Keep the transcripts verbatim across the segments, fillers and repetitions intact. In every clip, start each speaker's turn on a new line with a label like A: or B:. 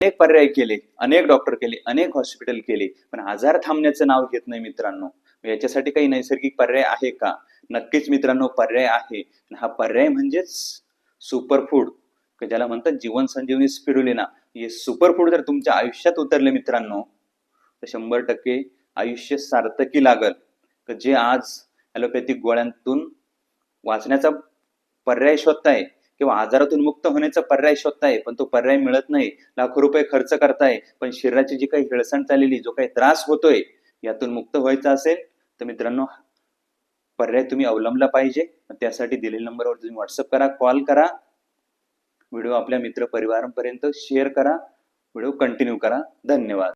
A: अनेक पर्याय केले, अनेक डॉक्टर केले, अनेक हॉस्पिटल केले, पण आजार थांबण्याचं नाव घेत नाही मित्रांनो. याच्यासाठी काही नैसर्गिक पर्याय आहे का? नक्कीच मित्रांनो, पर्याय आहे. हा पर्याय म्हणजेच सुपर फूड, ज्याला म्हणतात जीवन संजीवनी स्पिरुलिना. हे सुपर फूड जर तुमच्या आयुष्यात उतरले मित्रांनो, तर शंभर टक्के आयुष्य सार्थकी लागल. जे आज ॲलोपॅथिक गोळ्यांतून वाचण्याचा पर्याय शोधताय किंवा आजारातून मुक्त होण्याचा पर्याय शोधताय, पण तो पर्याय मिळत नाही. लाखो रुपये खर्च करताय, पण शरीराची जी काही हिळसण चाललेली, जो काही त्रास होतोय, यातून मुक्त व्हायचं असेल तर मित्रांनो पर्याय तुम्ही अवलंबला पाहिजे. त्यासाठी दिलेल्या नंबरवर तुम्ही व्हॉट्सअप करा, कॉल करा, व्हिडिओ आपल्या मित्र परिवारांपर्यंत शेअर करा, व्हिडिओ कंटिन्यू करा. धन्यवाद.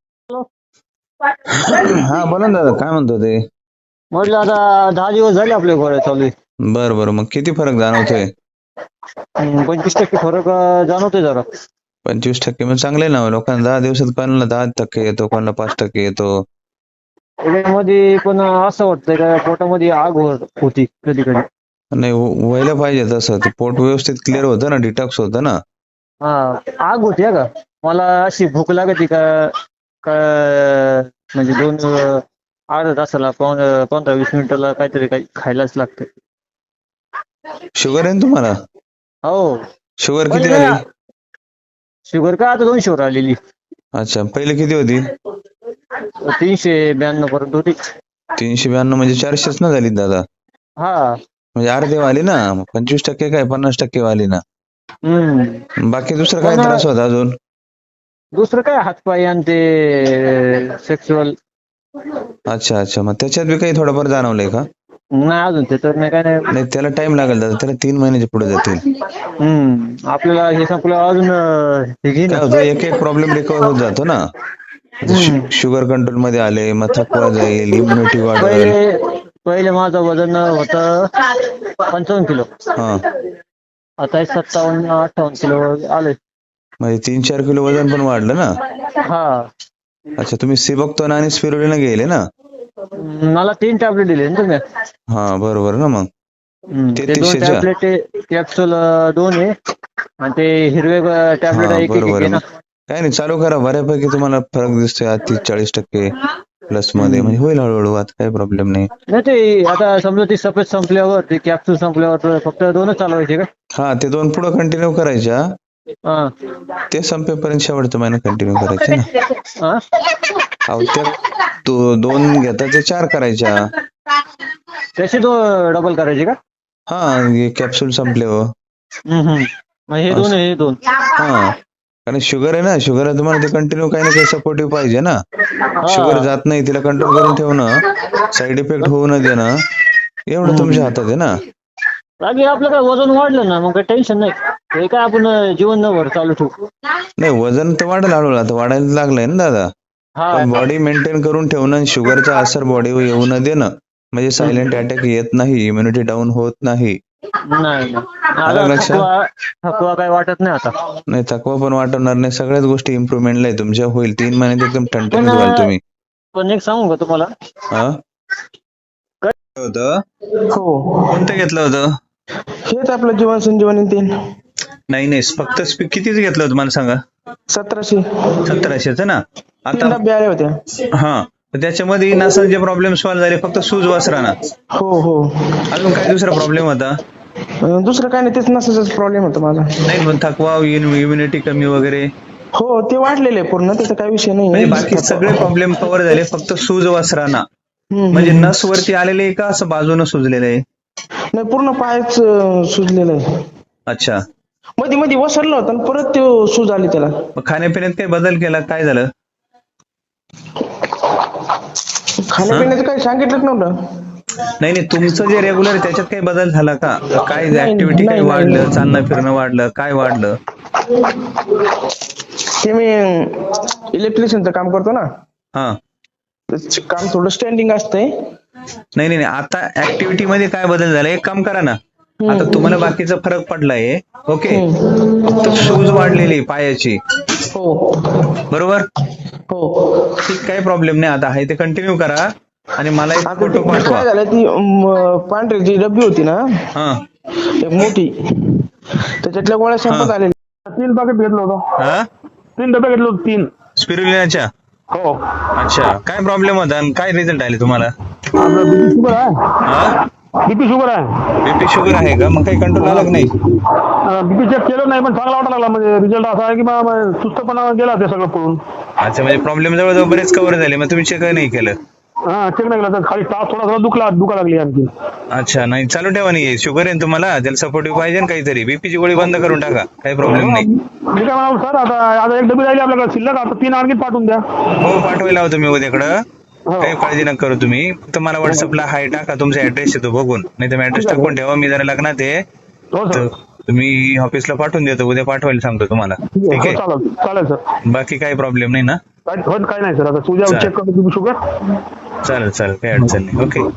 B: हा बोला ना दादा, काय म्हणतो ते?
C: म्हटलं आता दहा दिवस झाले आपल्या गोळ्या चालू आहे.
B: बर बर, मग किती फरक जाणवतोय?
C: अं, पंचवीस टक्के फरक अं, जाणवतोय जरा.
B: पंचवीस टक्के मग चांगले ना. लोकांना दहा दिवसात कोणाला दहा टक्के येतो, कोणाला पाच टक्के येतो.
C: त्याच्यामध्ये पण असं वाटतंय का पोटामध्ये आग होत- होती कधी कधी.
B: नाही व्ह- व्हायला पाहिजे तसं. ते पोट व्यवस्थित क्लिअर होतं ना, डिटॉक्स होतं ना.
C: हा आग होती हा का. मला अशी भूक लागते का का म्हणजे दोन अं, अर्धा तासाला पाऊण- पंधरा वीस मिनिटाला काहीतरी काही खायलाच लागतं.
B: शुगर आहे ना तुम्हाला?
C: हो.
B: शुगर किती
C: पहिले
B: आली?
C: शुगर का आता दोनशे वर आलेली.
B: अच्छा, पहिले किती होती?
C: तीनशे ब्याण्णव पर्यंत होती.
B: तीनशे ब्याण्णव म्हणजे चारशेच ना झाली दादा.
C: हा.
B: म्हणजे अर्धे वाली ना. मग पंचवीस टक्के काय पन्नास टक्के वाली ना.
C: हम्म.
B: बाकी दुसरं काय
C: पण
B: त्रास होता अजून?
C: दुसरं काय हातपाय आणि ते सेक्शुअल.
B: अच्छा अच्छा, मग त्याच्यात बी काही थोडंफार जाणवलंय का?
C: नाही अजून ते तर नाही काय नाही.
B: नाही, त्याला टाइम लागेल दादा. त्याला तीन महिन्याच्या पुढे जातील.
C: हम्म. आपल्याला हे संपलं अजून अं, हे घे
B: काय
C: ना.
B: होतं, एक एक प्रॉब्लेम रिकवर होत जातो ना. आता
C: हम्म.
B: शु- शुगर कंट्रोल मध्ये आले, मग थकवा जाईल, इम्युनिटी वाढेल.
C: पहिले पहिले माझं वजन होतं पंचावन्न किलो.
B: हा,
C: आता हे सत्तावन्न अठ्ठावन्न किलो आले.
B: म्हणजे तीन चार किलो वजन पण वाढलं ना.
C: हा.
B: अच्छा, तुम्ही सिबोक्टोन आणि स्पिरुलिना गेले ना.
C: मला तीन टॅबलेट दिले ना तुम्ही.
B: हा बरोबर ना. मग
C: हम्म. ते दोन
B: तेहतीसशेच्या?
C: टॅबलेट कॅप्सूल दोन आहे आणि ते हिरवे टॅबलेट
B: हा
C: एक एक
B: बरोबर
C: आहे
B: आहे.
C: ना.
B: मग काय नाही, चालू करा. बऱ्यापैकी तुम्हाला फरक दिसतोय आज तीस चाळीस टक्के प्लस मध्ये. म्हणजे होईल हळूहळू, आता काही प्रॉब्लेम नाही.
C: नाही ते आता समजा ती सफेद संपल्यावर ते कॅप्सूल संपल्यावर फक्त दोनच चालवायचे का?
B: हा, ते दोन पुढे कंटिन्यू करायच्या.
C: हा.
B: ते संपेपर्यंत शेवटचा महिना कंटिन्यू करायचे ना.
C: हा?
B: अहो, त्या दो- दोन घेता ते चार करायच्या.
C: त्याचे दो डबल करायचे का?
B: हा, कॅप्सूल संपले हो.
C: हम्म, हम्म. मग हे दोन हे दोन.
B: हा, कारण शुगर आहे ना. शुगर आहे तुम्हाला, ते कंटिन्यू काही ना काही सपोर्टिव्ह पाहिजे ना. शुगर जात नाही, तिला कंट्रोल करून ठेवणं, साईड इफेक्ट होऊ न देणं, एवढं तुमच्या हातात आहे ना.
C: बाकी आपलं काय वजन वाढलं ना मग काही टेन्शन नाही. हे काय आपण जीवनभर चालू ठेवू.
B: नाही, वजन तर वाढेल हळूहळू. आता वाढायला लागलंय ना दादा.
C: हा.
B: पण बॉडी मेंटेन करून ठेवणं आणि शुगरचा असर बॉडीवर येऊ न देणं, म्हणजे सायलेंट अटॅक येत नाही, इम्युनिटी डाऊन होत नाही.
C: नाही नाही.
B: आलं
C: आता
B: लक्षात?
C: थकवा थकवा काय वाटत नाही आता.
B: नाही, थकवा पण वाटणार नाही. सगळ्याच गोष्टी इम्प्रुव्हमेंटला आहे तुमच्या. होईल तीन महिन्यात एकदम
C: पण
B: ठणठणीत व्हाल तुम्ही.
C: पण एक सांगू का तुम्हाला?
B: हा, होतं
D: हो,
B: कोणतं घेतलं होतं?
D: हेच आपलं जीवन संजीवनी तीन
B: नाही नाही, फक्त स्पी- कितीच घेतलं होतं मला सांगा?
D: सतराशे
B: सतराशेचं ना.
D: तीन
B: आता
D: डबे आले होते.
B: हा, तर त्याच्यामध्ये नसांचे प्रॉब्लेम सॉल्व्ह झाले, फक्त सूज वासराना.
D: हो हो.
B: अजून काय दुसरा प्रॉब्लेम होता?
D: अं, दुसरं काय नाही, तेच नसाचाच प्रॉब्लेम होता माझा.
B: नाही, पण थकवा, इम्युनिटी कमी वगैरे,
D: हो, ते वाढलेले आहे पूर्ण, त्याचा काही विषय
B: म्हणजे
D: नाही.
B: बाकी सगळे प्रॉब्लेम कव्हर झाले, फक्त सूज वासराना.
D: हम्म,
B: म्हणजे
D: हम्म.
B: नस वरती आलेले आहे का असं बाजूनं सुजलेलं आहे?
D: नाही, पूर्ण पायच अं, सुजलेलं आहे.
B: अच्छा,
D: मध्ये मध्ये वसरलं होतं आणि परत ते सूज आली त्याला.
B: मग खाण्यापिण्यात काही बदल केला, काय झालं?
D: खाण्यापिण्याचं काही सांगितलंच नव्हतं.
B: नाही नाही, तुमचं जे रेग्युलर आहे त्याच्यात काही बदल झाला का? काय
D: नाही,
B: ऍक्टिव्हिटी काही
D: नाही,
B: वाढलं,
D: नाही.
B: चालणं फिरणं वाढलं, काय वाढलं?
D: ते मी इलेक्ट्रिशियनचं काम करतो ना,
B: हा,
D: त्याचं काम थोडं स्टँडिंग असतंय.
B: नाही नाही नाही, आता ऍक्टिव्हिटी मध्ये काय बदल झाला? एक काम करा ना, आता तुम्हाला बाकीचा फरक पडलाय, ओके, फक्त सूज वाढलेली पायाची,
D: हो
B: बरोबर?
D: हो.
B: ठीक, काही प्रॉब्लेम नाही. आता आहे ते कंटिन्यू करा आणि मला एक
D: आता
B: फोटो
D: ते
B: पाठवा.
D: काय झालं, ती अं, पांढरी जी डब्बी होती ना,
B: हा
D: एक मोठी, त्याच्यातल्या गोळ्या संपत आलेल्या. तीन पाकिट घेतलं होतं.
B: हा,
E: तीन डबे घेतले होते, तीन.
B: स्पिरुलिनाच्या?
E: हो.
B: अच्छा, काय प्रॉब्लेम होता आणि काय रिझल्ट आले तुम्हाला?
E: आपलं बीपी शुगर आहे.
B: हा,
E: बीपी शुगर आहे.
B: बीपी शुगर आहे का? मग काही कंट्रोल आला की नाही?
E: बीपी चेक केलं नाही, पण चांगला वाटायला लागला. म्हणजे रिझल्ट असा आहे की बा- बा- सुस्तपणा गेला ते सगळं पळून.
B: अच्छा, म्हणजे प्रॉब्लेम जवळजवळ बरेच कव्हर झाले, मग तुम्ही चेक नाही केलं?
E: हा, चेक नाही केलं तर खाली तास थोडा थोडा दुखला दुखा लागली आणखी.
B: अच्छा, नाही चालू ठेवा. नाही शुगर आहे ना तुम्हाला, त्याला सपोर्टिव्ह पाहिजे ना काहीतरी. बीपीची गोळी बंद करून टाका, काही प्रॉब्लेम नाही.
E: मी काय म्हणाल सर, आता आता एक डबी राहिली आपल्याकडे शिल्लक, आता तीन आणखी पाठवून द्या.
B: हो, पाठवायला हवं तुम्ही उद्याकडं.
E: हो.
B: काही काळजी नका करू तुम्ही. फक्त मला व्हॉट्सअपला हाय टाका, तुमचा ऍड्रेस येतो बघून. नाही तर ऍड्रेस टाकून ठेवा. मी जरा लग्नात आहे,
E: हो
B: तर
E: सर.
B: तुम्ही ऑफिसला पाठवून देतो. उद्या पाठवायला सांगतो तुम्हाला. ठीक
E: हो,
B: आहे,
E: चालेल चालेल सर.
B: बाकी काही प्रॉब्लेम नाही ना?
E: काय हो, काय नाही सर. आता तुझ्या
B: चालेल.
E: चेक करतो बीपी शुगर.
B: चालेल चालेल, काही अडचण नाही. ओके,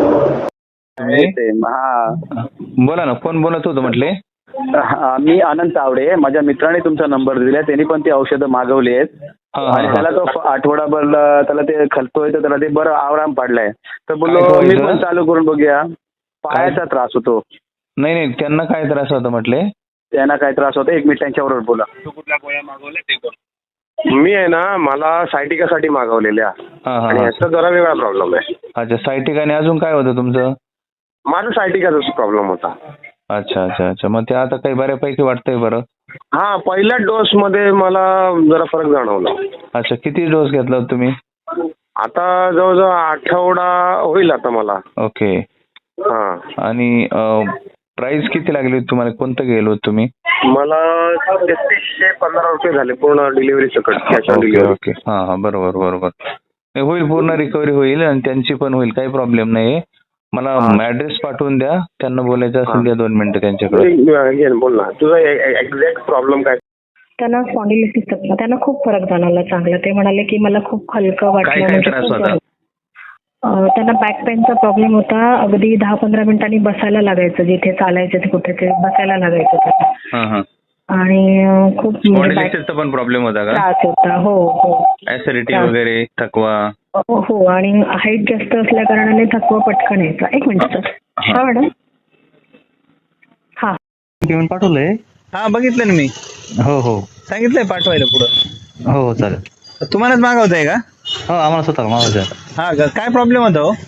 F: हा
B: बोला ना. कोण बोलत होतं म्हटले?
F: हा, मी आनंद तावडे. माझ्या मित्राने तुमचा नंबर दिला, त्यांनी पण ती औषधं मागवली आहेत.
B: हा,
F: आणि
B: हा,
F: त्याला तो फ- आठवडाभर त्याला ते खलतोय, तर त्याला ते बरं आराम पडलाय. तर
B: काय
F: बोललो
B: तो
F: मी
B: इथं?
F: पण चालू करून बघूया. पायाचा त्रास होतो.
B: नाही नाही, त्यांना काय त्रास होता म्हटले?
F: त्यांना काय त्रास होतो, एक मिनिट त्यांच्याबरोबर बोला.
E: मी आहे ना, मला सायटिकासाठी मागवलेल्या
B: हा हा
E: आणि
B: हा.
E: ह्याचा जरा वेगळा प्रॉब्लेम आहे.
B: अच्छा, सायटिक आणि अजून काय होतं तुमचं?
E: माझा सायटिकाचा प्रॉब्लेम होता.
B: अच्छा अच्छा अच्छा, मग ते आता काही बऱ्यापैकी वाटतंय बरं?
E: हा, पहिल्या डोस मध्ये मला जरा फरक जाणवला.
B: अच्छा, किती डोस घेतला होता तुम्ही?
E: आता जवळजवळ आठवडा होईल आता मला.
B: ओके.
E: हा,
B: आणि प्राइस किती लागली होती तुम्हाला? कोणतं गेलो होतं तुम्ही?
E: मला तेहतीसशे पंधरा रुपये झाले पूर्ण डिलिव्हरी सकट, cash on
B: okay
E: delivery.
B: Okay, हा हा, बरोबर बरोबर. नाही, होईल, पूर्ण रिकव्हरी होईल आणि त्यांची पण होईल, काही प्रॉब्लेम नाही. मला ऍड्रेस पाठवून द्या, त्यांना बोलायचं असेल द्या दोन मिनिटं त्यांच्याकडे.
E: Again, बोल ना, तुझा एक्झॅक्ट प्रॉब्लेम काय?
G: त्यांना स्पॉन्डिलिटिस होता. त्यांना खूप फरक जाणवला चांगला. ते म्हणाले की मला खूप हलकं
B: काय
G: वाटलं.
B: काय
G: म्हणजे
B: त्रास
G: खूप
B: होता?
G: अं, त्यांना बॅक पेनचा प्रॉब्लेम होता. अगदी दहा पंधरा मिनिटांनी बसायला लागायचं, जिथे चालायचं ते कुठे ते बसायला लागायचं त्यांना.
B: हा हा.
G: आणि अं, खूप म्हणजे back
B: स्पॉन्डिलिटिसचा पण प्रॉब्लेम होता का?
G: त्रास होता. हो हो
B: ऍसिडिटी
G: त्रास.
B: वगैरे, थकवा?
G: हो हो. आणि हाईट जास्त असल्या कारणाने थकवा पटकन यायचा. एक मिनिट सर. हा मॅडम. हा,
C: पेमेंट पाठवलंय?
B: हा, बघितलं ना मी.
C: हो हो
B: सांगितलंय पाठवायला पुढं.
C: हो चालेल.
B: तुम्हालाच मागवताय का?
C: हो, आम्हाला स्वतःला मागायचं.
B: हा का? काय प्रॉब्लेम होता हो?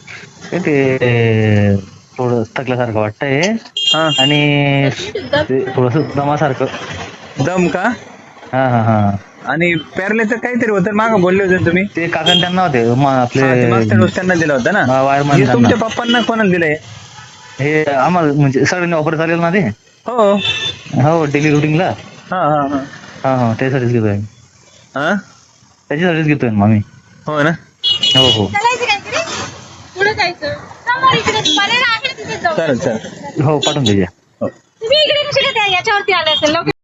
C: ते थोडं थकल्यासारखं वाटतंय
B: हा,
C: आणि ते थोडंसं दमासारखं.
B: दम का?
C: हा हा हा.
B: आणि पॅरलेचं काहीतरी होतं, मागं बोलले होते ना तुम्ही.
C: ते काकांना त्यांना होते म-
B: हा, ते
C: आपले
B: मागच्या डोस त्यांना दिला होता ना.
C: हा, वायरमॅन
B: हे
C: त्यांना.
B: तुमच्या पप्पांना कोणाला दिलंय?
C: हे आम्हाला म्हणजे सगळ्यांनी ऑफर चालेल ना ते.
B: हो.
C: हो, डेली रुटीनला.
B: हा हा हा.
C: हा हा, त्यासाठीच घेतोय.
B: हा,
C: त्याच्यासाठीच घेतोय मग आम्ही.
B: हो ना.
C: हो हो
H: चालायचं काहीतरी पुढे जायचं. समोर इकडे पर्याय आहे तिथे जाऊ.
B: चालेल चालेल.
C: हो, पाठवून द्या.
H: तुम्ही इकडे कशी काय याच्यावरती आले असेल लोक